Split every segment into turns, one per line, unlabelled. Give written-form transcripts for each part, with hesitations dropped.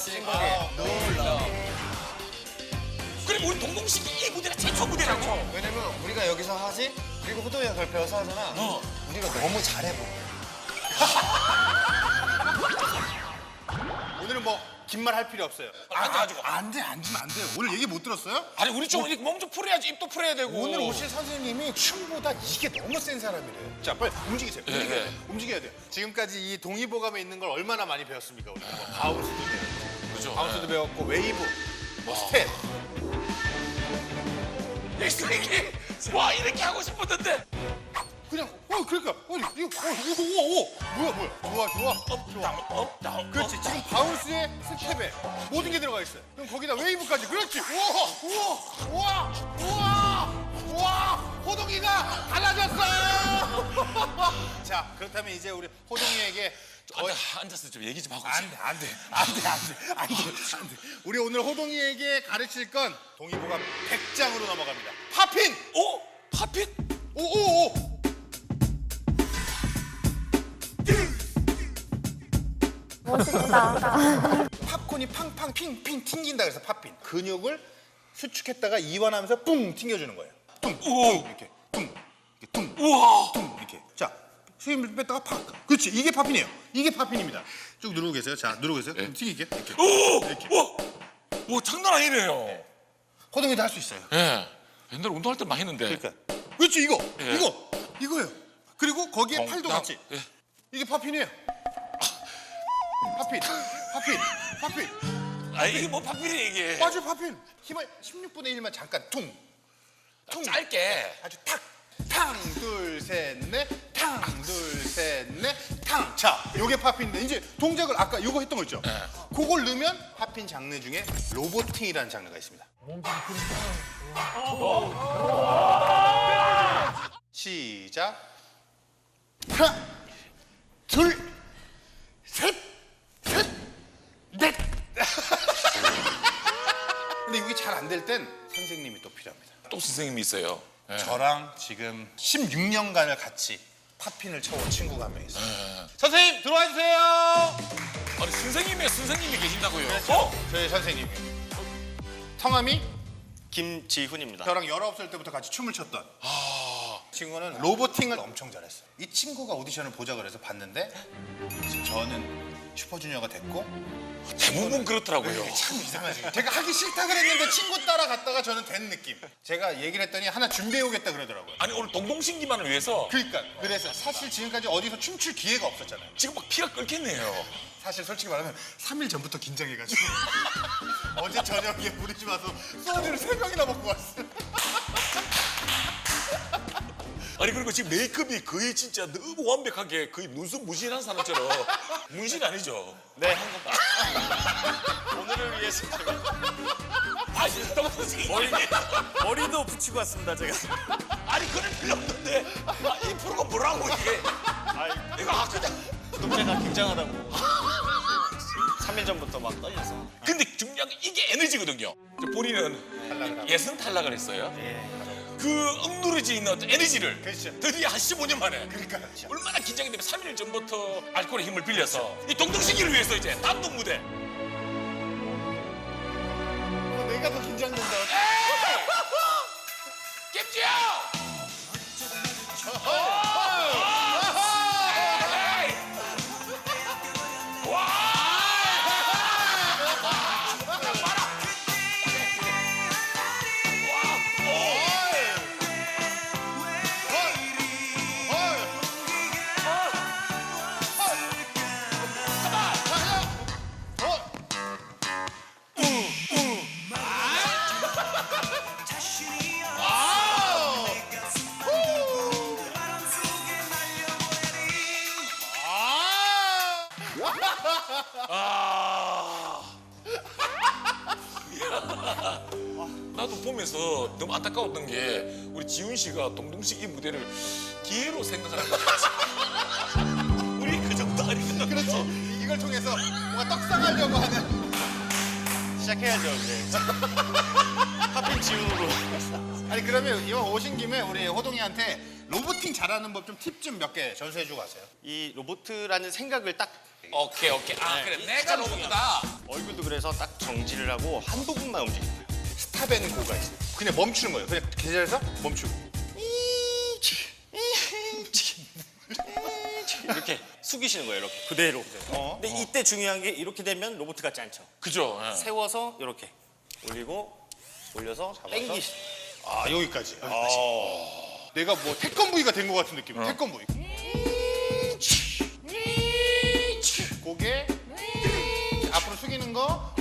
그리고 우리 동동식이 이 무대가 최초 무대라고.
왜냐면 우리가 여기서 하지, 그리고 호동이가 그걸 배워서 하잖아. 우리가 너무 잘해보.
오늘은 뭐 긴 말 할 필요 없어요.
앉아가지고.
안 돼. 오늘 얘기 못 들었어요?
아니 우리 좀 이렇게 몸 좀 풀어야지. 입도 풀어야 되고.
오늘 오신 선생님이 춤보다 이게 너무 센 사람이래. 자, 빨리 움직이세요. 움직여야 돼요. 지금까지 이 동의보감에 있는 걸 얼마나 많이 배웠습니까? 우리가 뭐 바운스도 배웠고,
그죠.
바운스도 배웠고, 웨이브, 뭐 스텝.
이렇게 와 이렇게 하고 싶었는데.
그냥 그러니까 이거 뭐야 좋아.
업 다운.
그렇지. 지금 바운스에 스텝에 모든 게 들어가 있어요. 그럼 거기다 웨이브까지. 그렇지. 우와. 호동이가 달라졌어. 자, 그렇다면 이제 우리 호동이에게
앉아서 좀 얘기 좀 하고.
안 돼. 우리 오늘 호동이에게 가르칠 건 동의보감 100장으로 넘어갑니다. 팝핀.
오 팝핀.
오.
멋있다.
팝콘이 팡팡 핑핑 튕긴다 그래서 팝핀. 근육을 수축했다가 이완하면서 뿡 튕겨주는 거예요. 퉁 이렇게 퉁
우와.
이렇게. 자, 수임을 뺐다가 팍. 그렇지. 이게 팝핀이에요. 이게 팝핀입니다. 쭉 누르고 계세요. 자, 누르고 계세요. 그럼 튕길게. 이렇게.
오 장난 아니네요.
호동이도 할 수 있어요.
예. 옛날에 운동할 때 많이 했는데.
그러니까. 그렇지.
예.
이거예요. 그리고 거기에 팔도
나-
같이.
예.
이게 팝핀이에요. 팝핀.
아 이게 뭐 팝핀이 이게.
맞아, 팝핀. 힘을 16분의 1만 잠깐 퉁.
짧게.
아주 탁. 탕, 둘, 셋, 넷. 탕, 둘, 셋, 넷. 탕. 자, 요게 팝핀인데 이제 동작을 아까 요거 했던 거 있죠? 그걸 넣으면 팝핀 장르 중에 로보팅이라는 장르가 있습니다. 시작. 하나, 둘, 셋, 넷. 근데 이게 잘 안 될 땐 선생님이 또 필요합니다.
또 선생님이 있어요. 예.
저랑 지금 16년간을 같이 팝핀을 쳐온 친구가 한 명 있어요. 선생님 들어와 주세요.
아니 선생님이 계신다고요.
저희 선생님. 성함이
김지훈입니다.
저랑 19살 때부터 같이 춤을 췄던 친구는 로보팅을 엄청 잘했어요. 이 친구가 오디션을 보자 그래서 봤는데 지금 저는 슈퍼주니어가 됐고
대부분 그렇더라고요.
참 이상하지. 제가 하기 싫다 그랬는데 친구 따라갔다가 저는 된 느낌. 제가 얘기를 했더니 하나 준비해 오겠다 그러더라고요.
아니 오늘 동동신기만을 위해서
그러니까 그래서 사실 지금까지 어디서 춤출 기회가 없었잖아요.
지금 막 피가 끓겠네요.
사실 솔직히 말하면 3일 전부터 긴장해가지고 어제 저녁에 우리 집 와서 소주를 3병이나 먹고 왔어요.
아니 그리고 지금 메이크업이 거의 진짜 너무 완벽하게 거의 눈썹 문신한 사람처럼 문신 아니죠?
네, 오늘을 위해서
아니 동동신기
머리도 붙이고 왔습니다, 제가.
아니 그럴 필요 없는데 이 프로가 뭐라고 이게 이거 그냥
동생가 긴장하다고 3일 전부터 막 떨려서.
근데 중요한 게 이게 에너지거든요. 본인은 예선 탈락을 했어요. 그 억누르지 있는 어떤 에너지를
그렇죠.
드디어 한 15년 만에
그러니까
얼마나 긴장이 되면 3일 전부터 알코올의 힘을 빌려서 이 동동신기를 위해서 이제 단독 무대
내가 더 긴장된다.
깹지요! 나도 보면서 너무 안타까웠던 게 우리 지훈 씨가 동동식 이 무대를 기회로 생각하는 것 같아. 우리 그 정도 아니거든.
그렇지. 이걸 통해서 뭔가 떡상하려고 하는.
시작해야죠, 이제. 팝핀 지훈으로.
아니 그러면 이왕 오신 김에 우리 호동이한테 로봇 로보팅 잘하는 법 좀 팁 좀 몇 개 전수해주고 가세요.
이 로봇이라는 생각을 딱
오케이. 아 그래 내가 로봇이다.
얼굴도 그래서 딱 정지를 하고 한 부분만 움직이는 거예요.
스탑앤고가 있어요. 그냥 멈추는 거예요. 그냥 계절에서 멈추고.
이렇게 숙이시는 거예요. 이렇게 그대로. 근데 이때 중요한 게 이렇게 되면 로봇 같지 않죠.
그죠. 예.
세워서 이렇게 올리고 올려서 당기시.
아 여기까지. 내가 뭐 태권브이가 된 것 같은 느낌. 태권브이. 고개 앞으로 숙이는 거.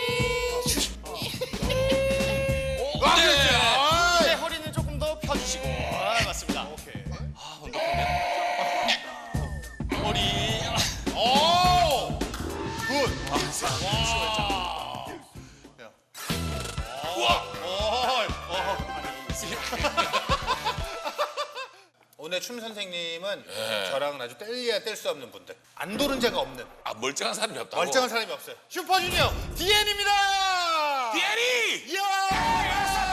아, 그렇지. 아,
이제 허리는 조금 더 펴주시고. 맞습니다.
오케이.
운동하면 머리.
오! 굿.
우와.
오늘 춤 선생님은 저랑은 아주 뗄래야 뗄 수 없는 분들. 안 도른 자가 없는
아 멀쩡한 사람이 없다고.
멀쩡한 사람이 없어요. 슈퍼주니어 DN입니다.
디에리.
이야!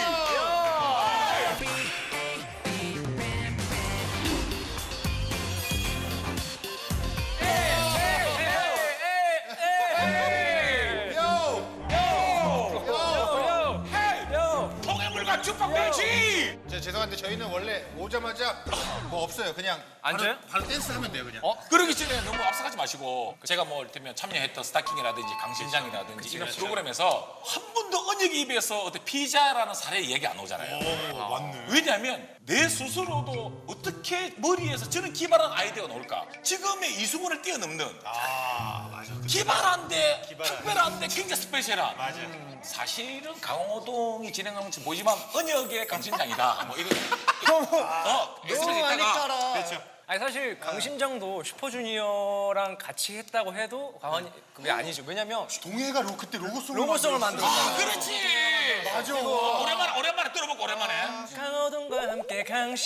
통해물과 주먹돼지.
죄송한데 저희는 원래 오자마자 뭐 없어요. 그냥
앉아요?
바로 댄스 하면 돼요. 그냥.
그러기 전에 너무 앞서가지 마시고 제가 뭐 이를테면 참여했던 스타킹이라든지 강심장이라든지 이런 프로그램에서 한 번도 언역의 입에서 어떤 피자라는 사례 얘기 안 오잖아요.
맞네.
왜냐하면 내 스스로도 어떻게 머리에서 저는 기발한 아이디어가 나올까? 지금의 이수근을 뛰어넘는
맞아.
기발한데 특별한데 굉장히 스페셜한 사실은 강호동이 진행하는 거 보지만 언역의 강심장이다 뭐 이런
너무 많이 따라.
그렇죠.
아니 사실 강심장도 슈퍼주니어랑 같이 했다고 해도 과언이 그게 아니죠. 왜냐면
동해가 그때 로고송을
로고송을 만들었잖아요.
그렇지
맞아.
오랜만에 들어보고 오랜만에
강호동과 함께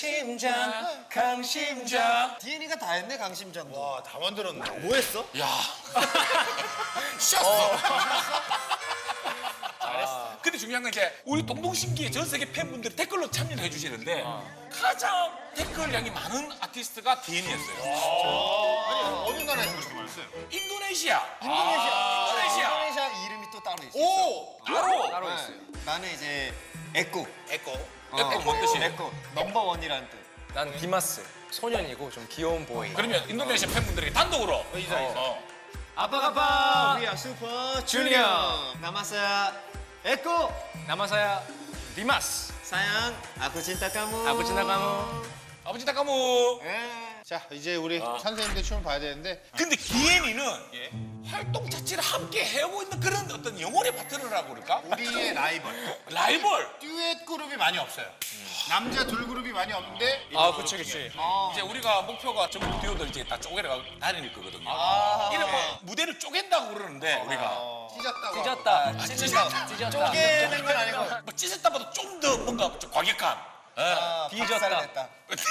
강심장.
DN이가 다 했네 강심장도.
와, 다 만들었네.
뭐 했어?
야 쉬었어 잘했어 근데 중요한 건 이제 우리 동동신기의 전 세계 팬분들이 댓글로 참여를 해주시는데 가장 댓글량이 많은 아티스트가 DN이었어요
아니, 어느 나라에서 그렇게 많았어요?
인도네시아
인도네시아 이름이 또 따로 있어.
오!
따로 있어요.
나는 이제 에꾸.
에코.
약간 뭔 뜻이에요?
에꾸. 넘버원이라는 뜻.
난 디마스 소년이고 좀 귀여운 보이.
그러면 인도네시아 팬분들에게 단독으로
아빠가빠. We are super junior. 남았어야 에꾸.
남아서야 디마스.
사양. 아쿠 진짜 까무.
아버지 나가모.
아버지 다카무
자, 이제 우리 선생님들 춤을 봐야 되는데
근데 DN이는 활동 자체를 함께 해오고 있는 그런 어떤 영혼의 파트너라고 그럴까?
우리의 라이벌.
라이벌
듀엣 그룹이 많이 없어요. 남자 둘 그룹이 많이 없는데
그치.
이제 우리가 목표가 전국 듀오들 이제 다 쪼개려 다닐 거거든요. 이런 뭐 무대를 쪼갠다고 그러는데 우리가
찢었다고.
찢었다.
쪼개는 건 아니고.
뭐 찢었다보다 좀 더 뭔가 좀 과격한.
뒤졌다.
됐다.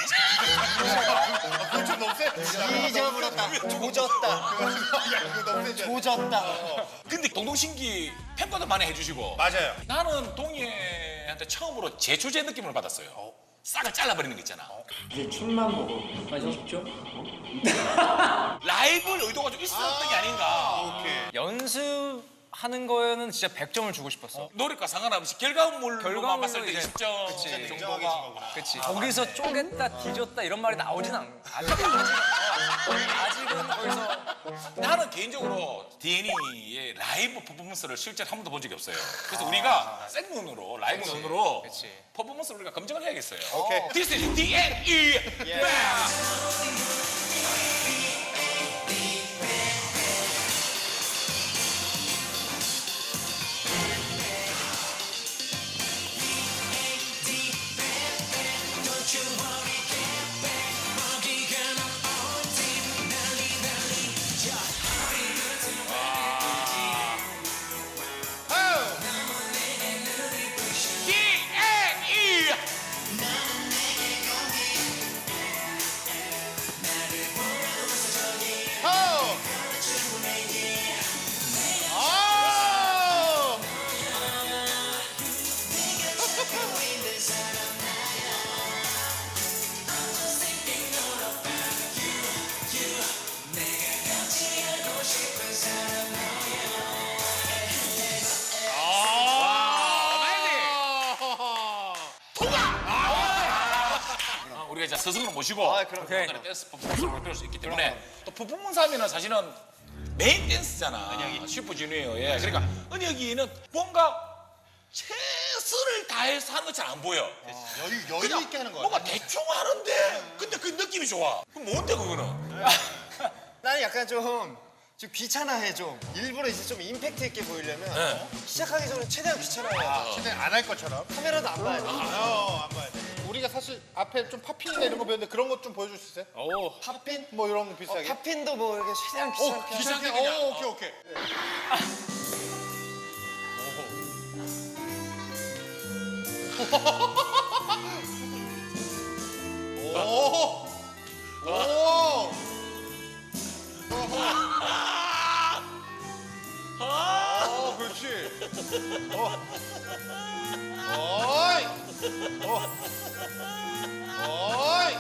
그건 좀 너무 세.
뒤져버렸다. 조졌다.
야, 그거 너무 세죠.
조졌다.
근데 동동신기 팬과도 많이 해주시고
맞아요.
나는 동희한테 처음으로 제초제 느낌을 받았어요. 싹을 잘라버리는 거 있잖아.
이제 춤만 보고 가셨죠?
라이브를 의도가 좀 있었던 게 아닌가.
오케이.
연습하는 거에는 진짜 100점을 주고 싶었어.
노력과 상관없이 결과물로만
결과물로
봤을 때
이제-
10점
그치.
정도가
그치. 거기서 쪼갰다, 뒤졌다 이런 말이 나오진 않아. 아직은 거기서
나는 개인적으로 DN이의 라이브 퍼포먼스를 실제로 한 번도 본 적이 없어요. 그래서 우리가 생눈으로 라이브 눈으로
그치.
퍼포먼스를 우리가 검증을 해야겠어요.
오케이.
This is DNE. DNE. 스승으로 모시고
아, 그럼.
오케이.
댄스 퍼포먼스를 배울 수 있기 때문에 또 퍼포먼스 하면은 사실은 메인 댄스잖아. 슈퍼주니어에. 그러니까 은혁이는 뭔가 최선을 다해서 하는 것처럼 안 보여.
여유 있게 하는 거야.
뭔가 대충 하는데 근데 그 느낌이 좋아. 그럼 뭔데 그거는?
나는 약간 좀 귀찮아해 좀. 일부러 이제 좀 임팩트 있게 보이려면
네.
시작하기 전에 최대한 귀찮아해.
최대한 안 할 것처럼.
카메라도 안 봐야 돼.
안 봐야 돼. 우리가 사실 앞에 좀 팝핀이나 이런 거 배웠는데 그런 것 좀 보여줄 수 있어요?
오.
팝핀?
뭐 이런 거 비슷하게.
팝핀도 뭐 이렇게 최대한 귀찮게.
귀찮게
오,
그냥.
오케이 오케이. 오. 오. 오, 그렇지. 어이. 어이.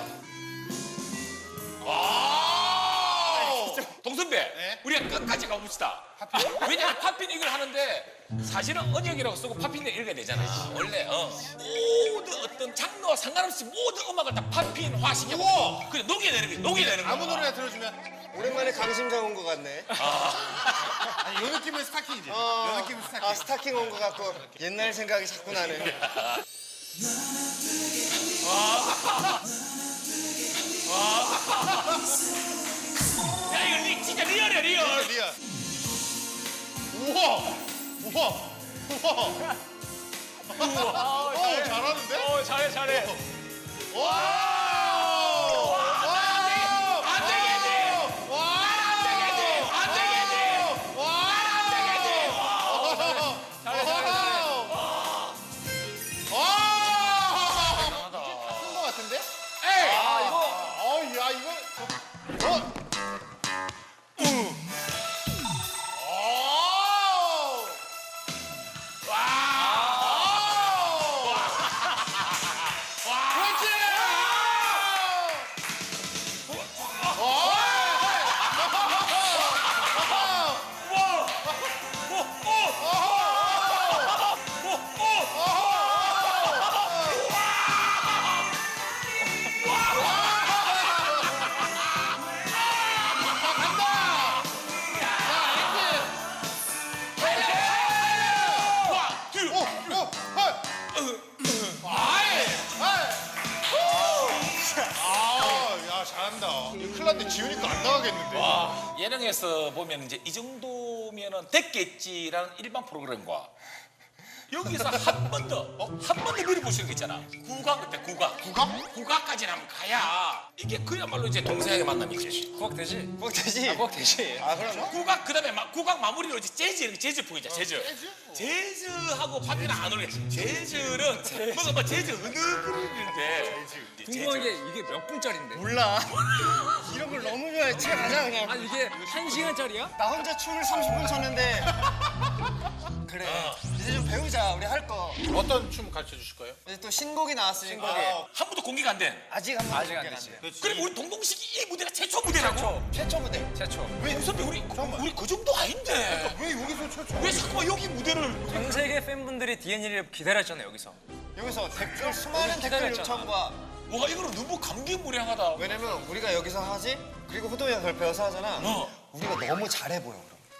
동선배,
네?
우리가 끝까지 가봅시다. 왜냐면 팝핀 이걸 하는데 사실은 언역이라고 쓰고 팝핀을 읽어야 되잖아. 원래 모든 어떤 장르와 상관없이 모든 음악을 다 팝핀화시켜.
우와!
그래 녹여내는 거야. 녹여내는 거야.
아무 노래나 들어주면.
오랜만에 강심장 온 것 같네.
아니, 요 느낌은 스타킹이지. 요 느낌은 스타킹.
아, 스타킹 온 것 같고 옛날 생각이 자꾸 나네.
야 이거 진짜 리얼이야 리얼.
리얼. 우와! 우와! 우와! 우와! 잘하는데?
잘해 잘해.
와!
안 되겠지. 안 되겠지. 안 되겠지. 안 되겠지.
잘해 잘해 잘해.
큰거 같은데?
에이.
야, 이거. 야, 잘한다. 이거 큰일 났는데 지우니까 안 나가겠는데?
예능에서 보면 이제 이 정도면은 됐겠지라는 일반 프로그램과 여기서 한 번 더 밀어보시는 거 있잖아. 국악 그때 국악. 국악까지 하면 가야 이게 그야말로 이제 동생에게 만남이지.
구박 되지?
뭐 되지?
구박 되지.
아, 그럼
국악 그다음에 국악 마무리로 이제 재즈 풍이자 재즈. 재즈하고 팝이는 안 어울리겠지. 재즈는 뭔가 막 재즈 은은거리는데.
궁금한 게 이게 몇 분짜리인데?
몰라. 이런 걸 너무 좋아해. 집에 가자 그냥.
아니 이게 1시간짜리야?
나 혼자 춤을 30분 췄는데. 그래. 이제 좀 배우자. 우리 할 거.
어떤 춤 가르쳐 주실 거예요?
이제 또 신곡이 나왔으니까.
한 번도 공개가 안 된.
아직 한 번.
아직 안 되지.
그리고 우리 동동식이 이 무대가 최초 무대라고.
최초 무대.
최초.
왜 선배 우리 그 정도 아닌데.
왜 여기서 최초?
왜 자꾸만 여기 무대를.
전 세계 팬분들이 DN이를 기다렸잖아요 여기서.
여기서 댓글 수많은 댓글
기다렸잖아.
요청과
와 이거는 너무 감개무량하다.
왜냐면 우리가 여기서 하지 그리고 호동이가 그걸 배워서 하잖아. 우리가 너무 잘해 보여.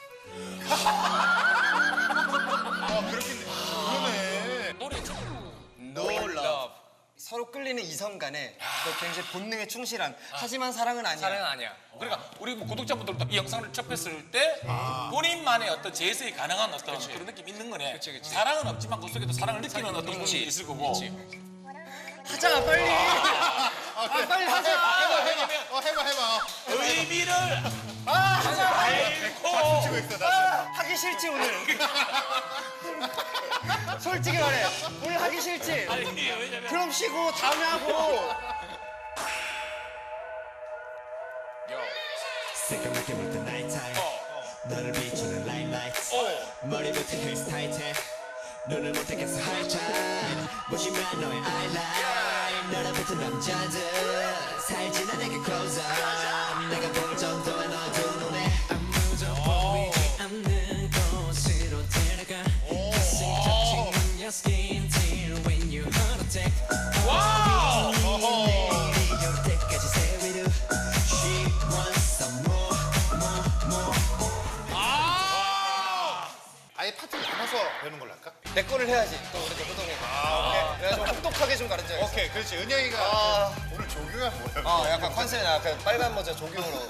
그렇겠네. 그러네.
노래
No love. 서로 끌리는 이성 간에 그 굉장히 본능에 충실한 하지만 사랑은 아니야.
사랑은 아니야.
그러니까 우리 뭐 구독자분들도 이 영상을 접했을 때 본인만의 어떤 재해석이 가능한 어떤 그런 느낌 있는 거네.
그치.
사랑은 없지만 그 속에도 사랑을 느끼는 어떤 부분이 있을 거고.
하자 빨리. 아 빨리 하자.
해봐.
의미를
하자.
알고
치고 있어, 나.
하기 싫지 오늘. 솔직히 말해. 오늘 하기 싫지.
아니 왜냐면
그럼 쉬고 다음에 하고.
새까맣게 물든 nighttime 너를 비추는 limelight 머리부터 헤어스타일에 눈을 못 뜨겠어 high time 무심한 너의 eyeline 너를 붙은 남자들 살지 나 내게 close up 내가 볼 정도의 너두 눈에 아무도 보이지 않는 곳으로 데려가 가슴이 touching your skin till when you heart attack
와우.
내리려
내 거를 해야지. 또 우리 또 호동이. 오케이. 내가 좀 혹독하게 좀 가르쳐야겠어.
오케이, 그렇지. 은영이가 오늘 조교야 뭐야?
약간 컨셉이 약간 빨간 모자 조경으로.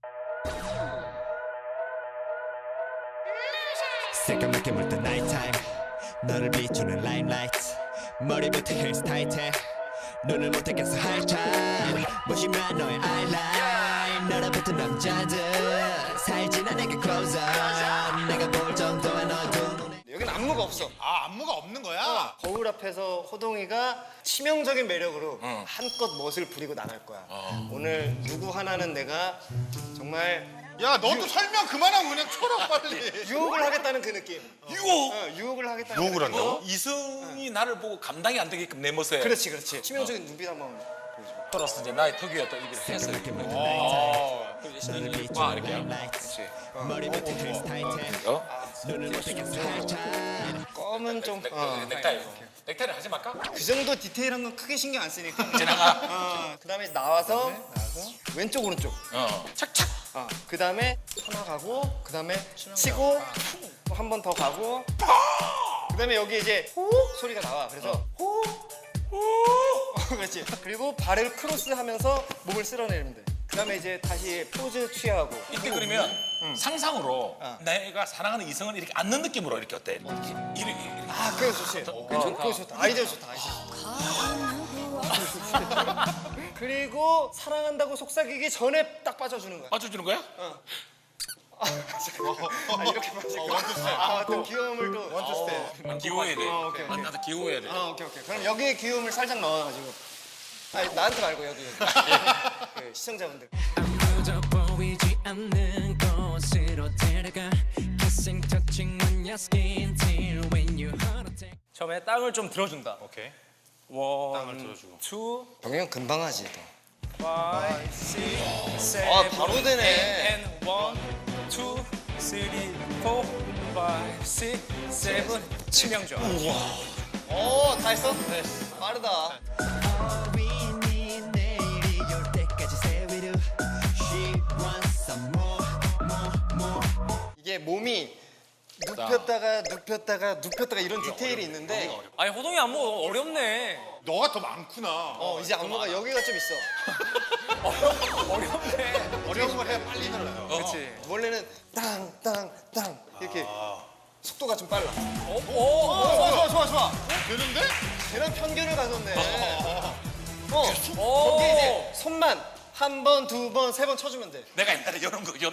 새까맣게 물든 나이트타임 너를 비추는 라임라이트 머리부터 헤어스타일에 눈을 못 떼겠어 하이타임 무심한 너의 아이라인 너랑 붙은 남자들 살지나 내게 close up 내가 볼 정도의 너도 눈에
여기는 안무가 없어.
아, 안무가 없는 거야?
거울 앞에서 호동이가 치명적인 매력으로 한껏 멋을 부리고 나갈 거야. 오늘 누구 하나는 내가 정말
야, 너도 설명 그만하고 그냥 쳐라 빨리.
유혹을 하겠다는 그 느낌.
유혹.
유혹을 하겠다는
유혹을
그 느낌.
한다고?
이성이 나를 보고 감당이 안 되게끔 내 모습에.
그렇지, 그렇지. 치명적인 눈빛 한번.
돌아서 이제 나의 특유의 또 이렇게 해서
새까맣게 물든
이렇게
나이트타임
와
너를
이렇게.
비추는 라임라이트 머리부터 헤어스타일에 눈을 못 떼겠어 하이타임
껌은 좀.
넥타이를 하지 말까?
그 정도 디테일한 건 크게 신경 안 쓰니까.
지나가.
그다음에 나와서 왼쪽 오른쪽.
착착.
그다음에 하나 가고 그다음에 치고 한 번 더 가고 그다음에 여기 이제 호 소리가 나와. 그래서 호 그렇지. 그리고 발을 크로스하면서 몸을 쓸어내리면 돼. 그다음에 이제 다시 포즈 취하고.
이때 그러면 상상으로 내가 사랑하는 이성을 이렇게 안는 느낌으로 이렇게 어때? 이렇게.
아, 그거 좋지. 그거 좋다. 아이디어 좋다. 그리고 사랑한다고 속삭이기 전에 딱 빠져주는 거야.
맞춰주는 거야?
이렇게 빠지고. 또 귀여움을 또. 원투 스텝.
기호해야 돼.
오케이.
나도 기호해야 돼.
오케이. 그럼 여기에 귀여움을 살짝 넣어가지고. 아니, 나한테 말고 여기. 그 시청자분들.
아무도 보이지 않는 곳으로 데려가 Kissing, touching on your skin till when you heart attack
처음에 땅을 좀 들어준다.
오케이.
원,
들어주고.
투,
병이 형 금방 하지 또.
파이, 식스,
아, 바로 되네.
앤 원, 투, 쓰리, 포, 파이, 식스, 세븐. 치명적.
다 했어? 네. 빠르다.
어린이 내일이 올 때까지 stay with you She wants some more
이게 몸이 눕혔다가 이런 디테일이 있는데
아니 호동이 안무 어렵네.
너가 더 많구나.
이제 안무가 여기가 좀 있어.
어렵네.
어려운 걸 해야 빨리 늘어요.
그렇지.
원래는 땅 이렇게 속도가 좀 빨라. 좋아.
되는데?
걔랑 편견을 가졌네.
오.
거기 이제 손만 한 번, 두 번, 세 번 쳐주면 돼.
내가 옛날에 이런 거.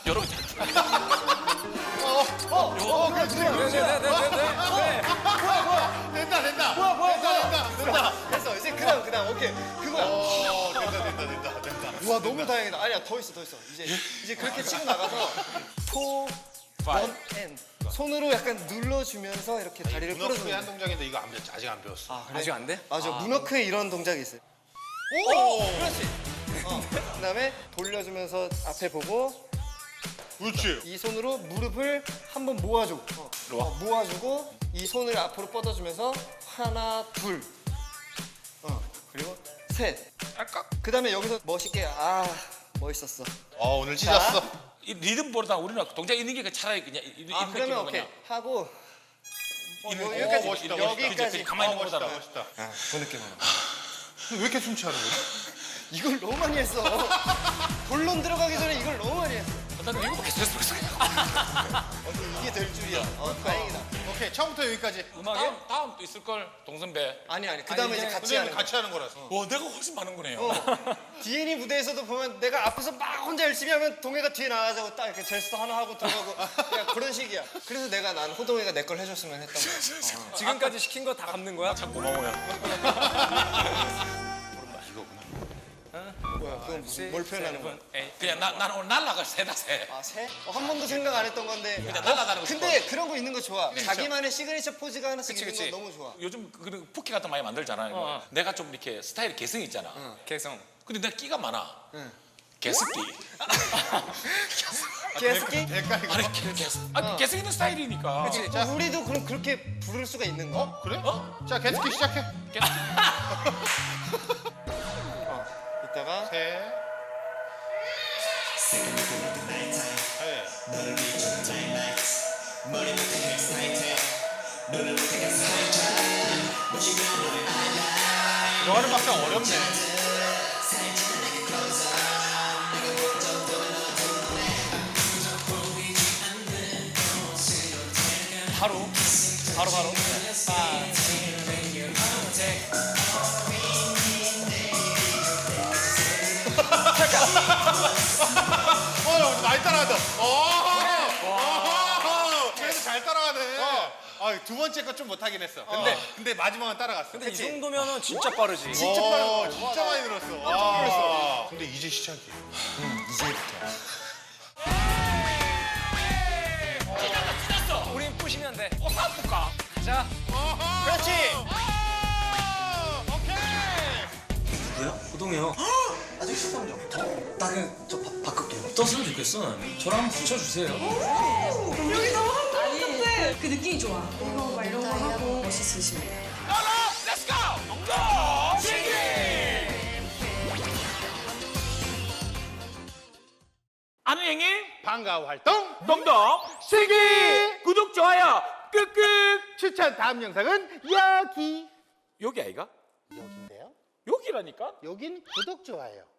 된다.
됐어. 이제 그다음 오케이. 그거야.
된다.
우와 너무 다행이다. 아니야 더 있어. 이제 그렇게 치고 나가서 포, 원, 앤 손으로 약간 눌러주면서 이렇게 다리를
문어크의
끌어주는
한
거야.
동작인데 이거 아직 안 배웠어.
아직 안 돼?
맞아. 문어크에 이런 동작이 있어요. 그렇지. 그다음에 돌려주면서 앞에 보고
그렇지.
이 손으로 무릎을 한번 모아줘. 모아주고 이 손을 앞으로 뻗어주면서 하나, 둘, 그리고 셋. 그다음에 여기서 멋있게 멋있었어.
오늘 찢었어.
이 리듬보다 우리는 동작 있는 게 차라리 그냥 이런
그러면
느낌으로
오케이
그냥.
하고
멋있다, 멋있다.
여기까지.
가만히 있는 거보다
멋있다.
그 느낌으로.
왜 이렇게 춤추는 거지?
이걸 너무 많이 했어. 본론 들어가기 전에 이걸 너무 많이 했어.
나는 이거밖에 스트레스 받았어.
이게 될 줄이야. 다행이다.
오케이, 처음부터 여기까지.
다음 또 있을 걸 동선배.
아니. 그다음에 이제 같이 하는
근데
거.
같이 하는 거라서.
와 내가 훨씬 많은 거네요.
D&E 무대에서도 보면 내가 앞에서 막 혼자 열심히 하면 동해가 뒤에 나가자고 딱 이렇게 제스처 하나 하고 들어가고 그냥 그런 식이야. 그래서 난 호동이가 내 걸 해줬으면 했던 거야.
지금까지 시킨 거 다 갚는 거야?
참 고마워요.
뭐야, 그건 무슨 뭘 표현하는 거야?
그냥 난 오늘 날라가 새다 새.
새? 한 번도 생각 안 했던 건데.
그냥 날아다니고
근데 그런 거 있는 거 좋아. 자기만의 시그니처 포즈가 하나씩
그치,
있는
그치.
거 너무 좋아.
요즘 그런 푸키 같은 거 많이 만들잖아요. 내가 좀 이렇게 스타일이 개성이 있잖아.
개성.
근데 내가 끼가 많아. 개스끼.
개스키?
아니 개성 있는 스타일이니까.
우리도 그럼 그렇게 부를 수가 있는 거?
그래? 자, 개스키 시작해.
이따가
셋.
너를 비추는 라임라이트 머리부터 헤어스타일에 눈을 못 뜨겠어 하이타임 무심한 너의 아이라인
이거 하는 박자 어렵네.
바로.
많이 따라간다. 그래도 잘 따라가네. 두 번째 거 좀 못하긴 했어. 근데 마지막은 따라갔어.
근데 이 정도면은 진짜 빠르지.
진짜 빠르고 진짜 많이 늘었어. 깜짝 놀랐어. 근데 이제 시작이야.
찢었어.
우린 부시면 돼.
한번 볼까?
가자.
그렇지.
누구야? 호동이요. 아직 식사하면 나 그냥 저 바꿀게요. 어떠으면 좋겠어 나는. 저랑 한번 붙여주세요.
아니 그 느낌이 좋아. 이거 막 이런 거 하고 멋있으시면 돼요.
렛츠고! 농동 신기! 아는 형님
방과 활동
농동 신기! 구독 좋아요 끄끄
추천 다음 영상은 여기.
여기 아이가?
여기인데요.
여기라니까?
여긴 구독 좋아요.